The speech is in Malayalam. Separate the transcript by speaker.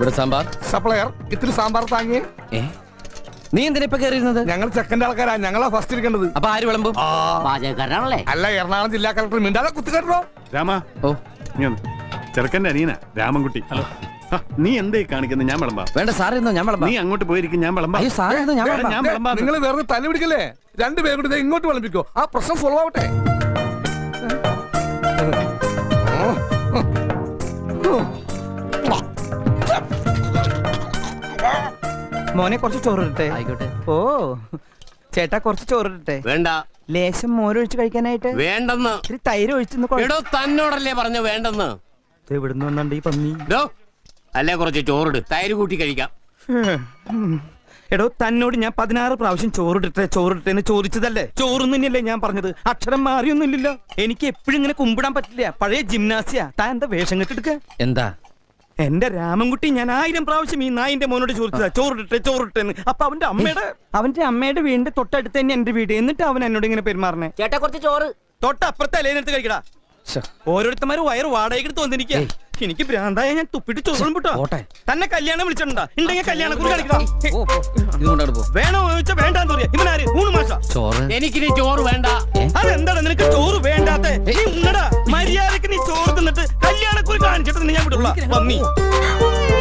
Speaker 1: ഇവിടെ സാമ്പാർ.
Speaker 2: സപ്ലയർ ഇത്തിരി സാമ്പാർ താങ്ങിയേ.
Speaker 1: നീ എന്തിനാ ഇപ്പൊ കയറിയിരുന്നത്?
Speaker 2: ഞങ്ങൾ സെക്കൻഡ് ആൾക്കാരാ, ഞങ്ങളാ ഫസ്റ്റ് ഇരിക്കേണ്ടത്.
Speaker 1: അപ്പൊ ആര് വിളമ്പും?
Speaker 3: പാചകക്കാരനാണല്ലേ?
Speaker 2: അല്ല, എറണാകുളം ജില്ലാ കളക്ടർ മിണ്ടാതെ കുത്തിക്കേട്ടോ.
Speaker 4: രാമ,
Speaker 1: ഓ
Speaker 4: നീ ഒന്ന് ചെറുക്കന്റെ അനിയനാ രാമൻകുട്ടി. നീ എന്തേ കാണിക്കുന്നത്? ഞാൻ വിളമ്പാ.
Speaker 1: വേണ്ട സാറിന്നോ, ഞാൻ വിളമ്പാം.
Speaker 4: നീ അങ്ങോട്ട് പോയിരിക്കും, ഞാൻ വിളമ്പാ.
Speaker 1: അയ്യോ സാറിന്നോ, ഞാൻ വിളമ്പാം.
Speaker 4: ഞാൻ വിളമ്പാ.
Speaker 2: നിങ്ങൾ വേറെ തല്ലി പിടിക്കല്ലേ? രണ്ടുപേരും കൂടി ഇങ്ങോട്ട് വിളമ്പിക്കോ, ആ പ്രശ്നം സോൾവ് ആവട്ടെ.
Speaker 5: മോനെ കുറച്ച് ചോറിട്ടെ.
Speaker 1: ആയിക്കോട്ടെ.
Speaker 5: ഓ ചേട്ടാ കുറച്ച് ചോറിട്ടെ.
Speaker 6: വേണ്ട.
Speaker 5: ലേശം മോരൊഴിച്ച് കഴിക്കാനായിട്ട്.
Speaker 6: വേണ്ടെന്ന്.
Speaker 5: ഇത്തിരി തൈര് ഒഴിച്ചെന്ന്.
Speaker 6: എടോ തന്നോടല്ലേ പറഞ്ഞു വേണ്ടെന്ന്.
Speaker 5: എവിടുന്ന് വന്നുണ്ട് ഈ പന്നി?
Speaker 6: അല്ലേ കുറച്ച് ചോറിട്, തൈര് കൂട്ടി കഴിക്കാം.
Speaker 5: എടോ തന്നോട് ഞാൻ 16 പ്രാവശ്യം ചോറിട്ടെ എന്ന് ചോദിച്ചതല്ലേ? ചോറും തന്നെയല്ലേ ഞാൻ പറഞ്ഞത്? അക്ഷരം മാറിയൊന്നുമില്ലല്ലോ. എനിക്ക് എപ്പോഴും ഇങ്ങനെ കുമ്പിടാൻ പറ്റില്ല. പഴയ ജിംനാസിയ. താൻ എന്താ വേഷം കെട്ടെടുക്ക?
Speaker 1: എന്താ?
Speaker 5: എന്റെ രാമൻകുട്ടി ഞാൻ 1000 പ്രാവശ്യം ഈ നായിന്റെ മോനോട് ചോദിച്ചതാ ചോറിട്ടെ. അപ്പൊ അവന്റെ അമ്മയുടെ വീടിന്റെ തൊട്ടടുത്ത് തന്നെ എന്റെ വീട്. എന്നിട്ട് അവൻ എന്നോട് ഇങ്ങനെ പെരുമാറണേ.
Speaker 3: ചേട്ടാ കുറച്ച് ചോറ്.
Speaker 5: തൊട്ടപ്പുറത്തെ അലേനെടുത്ത് കഴിക്കടാ. ഓരോരുത്തന്മാര് വയറ് വാടകയ്ക്ക് തോന്നിരിക്കുക. എനിക്ക് ഭ്രാന്തായ ഞാൻ തുപ്പിട്ട് ചോറും പൊട്ടോ. തന്നെ കല്യാണം വിളിച്ചിട്ടുണ്ടാ? ഉണ്ടെങ്കിൽ കല്യാണം കുറി കാണിക്കണം. വേണോ ചോദിച്ചാ വേണ്ടാന്ന് പറയാ. ഇവനാര്? ഊണ് മാഷ.
Speaker 6: എനിക്കിനി ചോറ് വേണ്ട.
Speaker 5: അതെന്താണ് നിനക്ക് ചോറ് വേണ്ടാത്തെ? നീ ഉണ്ണടാ. മര്യാദക്ക് നീ ചോറ് തിന്നിട്ട് കല്യാണക്കുറി കാണിച്ചിട്ട് ഞാൻ വിടുള്ള പന്നി.